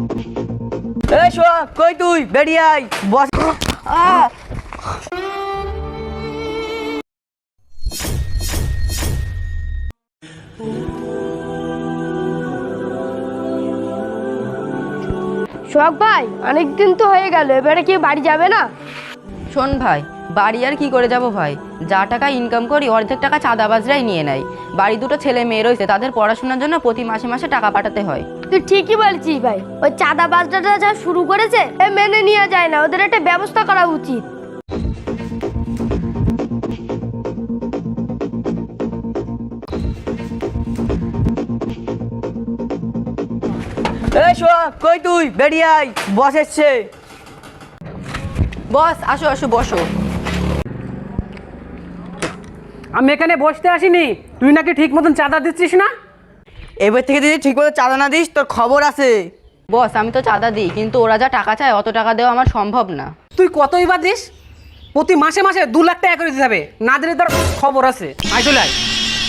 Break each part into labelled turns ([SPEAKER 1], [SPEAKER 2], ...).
[SPEAKER 1] এই সোহাগ, কই তুই? বেরিয়ে আয় বস।
[SPEAKER 2] সোহাগ ভাই, অনেকদিন তো হয়ে গেল, এবারে কি বাড়ি যাবে না?
[SPEAKER 3] শোন ভাই, বাড়ি আর কি করে যাব ভাই, যা টাকা ইনকাম করি অর্ধেক টাকা চাঁদাবাজরাই নিয়ে নেয়। বাড়ি দুটো ছেলে মেয়ে রয়েছে, তাদের পড়াশোনার জন্য প্রতি মাসে মাসে টাকা পাঠাতে হয়।
[SPEAKER 2] তুই ঠিকই বলছিস ভাই, ওই চাঁদাবাজরা যা শুরু করেছে মেনে নেওয়া যায় না, ওদের একটা ব্যবস্থা করা উচিত।
[SPEAKER 1] এই সোহাগ, কই তুই? বেরিয়ে আয়, বস এসছে।
[SPEAKER 3] বস আসো আসো, বসো।
[SPEAKER 4] আমি এখানে বসতে আসিনি, তুই নাকি ঠিক মতন চাঁদা দিচ্ছিস না?
[SPEAKER 1] এবার থেকে যদি ঠিক মতো চাঁদা না দিস তোর খবর আছে।
[SPEAKER 3] বস আমি তো চাঁদা দিই, কিন্তু ওরা যা টাকা চায় অত টাকা দেওয়া আমার সম্ভব না।
[SPEAKER 4] তুই কতই বা দিস? প্রতি মাসে মাসে 2 লাখ টাকা করে দিতে হবে, না দিলে তোর খবর আছে। আয় চলে আয়।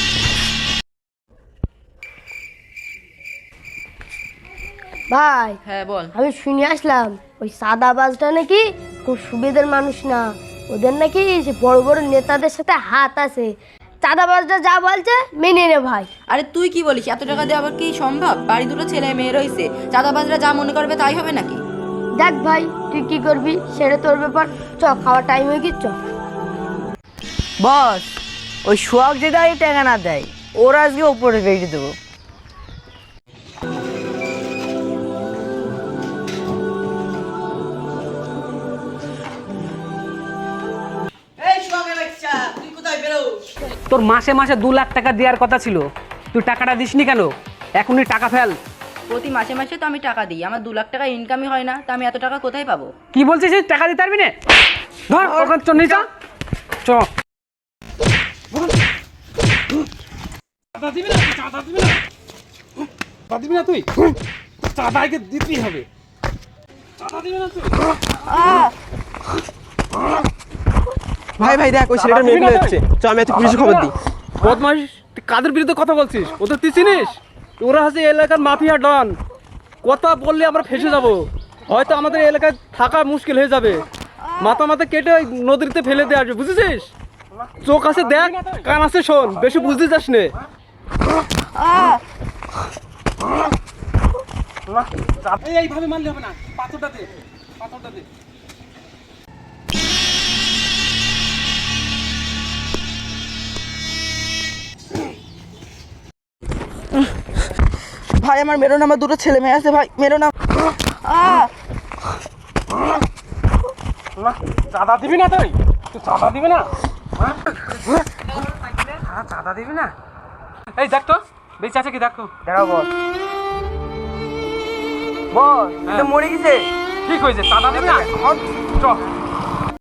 [SPEAKER 2] ভাই,
[SPEAKER 3] হ্যাঁ বল।
[SPEAKER 2] আমি শুনে আসলাম ওই চাঁদাবাজটা নাকি খুব সুবিধার মানুষ না, ওদের নাকি সে বড় বড় নেতাদের সাথে হাত আছে। চাঁদাবাজটা যা বলছে মেনে নে ভাই।
[SPEAKER 3] আরে তুই কি বলিস, এত টাকা দেওয়া আবার কি সম্ভব? বাড়ি দুটো ছেলে মেয়ে রয়েছে, চাঁদাবাজরা যা মনে করবে তাই হবে নাকি?
[SPEAKER 2] দেখ ভাই, তুই কি করবি সেটা তোর ব্যাপার। চ, খাওয়ার টাইম হয়ে গিয়ে চ।
[SPEAKER 1] বস, ওই সোহাগ যে দেয় টাকা না দেয়, ওরা আজকে ওপরে বেরিয়ে দেবো।
[SPEAKER 4] তোর মাসে মাসে 2 লাখ টাকা দেওয়ার কথা ছিল, তুই টাকাটা দিসনি কেন? এখনই টাকা ফেল।
[SPEAKER 3] প্রতি মাসে মাসে তো আমি টাকা দিই, আমার 2 লাখ টাকা ইনকামই হয় না, তা আমি এত টাকা কোথায় পাবো?
[SPEAKER 4] কি বলছিস? টাকা দিতে পারবি না? ধর ওখানে চল, নিয়ে চ।
[SPEAKER 5] চাঁদা দিবি না? চাঁদা দিবি না? চাঁদা দিবি না তুই? চাঁদা আগে দিতেই হবে। চাঁদা দিবি না তুই?
[SPEAKER 6] ভাই ভাই দেখ, ওই ছেলেটার মেয়ে হচ্ছে, চ আমি এত পুলিশে খবর দিই।
[SPEAKER 5] বদমাইশ, তুই কাদের বিরুদ্ধে কথা বলছিস? ওদের তুই চিনিস? ওরা হচ্ছে এলাকার মাফিয়া ডন। কথা বললে আমরা ফেসে যাব, হয়তো আমাদের এলাকায় থাকা মুশকিল হয়ে যাবে। মাথা মাথা কেটে ওই নদীতে ফেলে দিয়ে আসবে, বুঝেছিস? চোখ আছে দেখ, কান আছে শোন, বেশি বুঝতে যাস নে। এইভাবে মানলে হবে না, পাথরটা দে, পাথরটা দে।
[SPEAKER 1] ভাই আমার মেরো না, আমার দুটো ছেলে মেয়ে আছে, ভাই মেরো না।
[SPEAKER 5] চাঁদা দিবি না তুই? তুই চাঁদা দিবি না?
[SPEAKER 4] চাঁদা দিবি না? এই দেখ তো, বেঁচে আছে কি দেখো।
[SPEAKER 1] দেখা বস। বস, এটা মরে গেছে।
[SPEAKER 5] ঠিক হয়েছে, চাঁদা দিবি না? চ।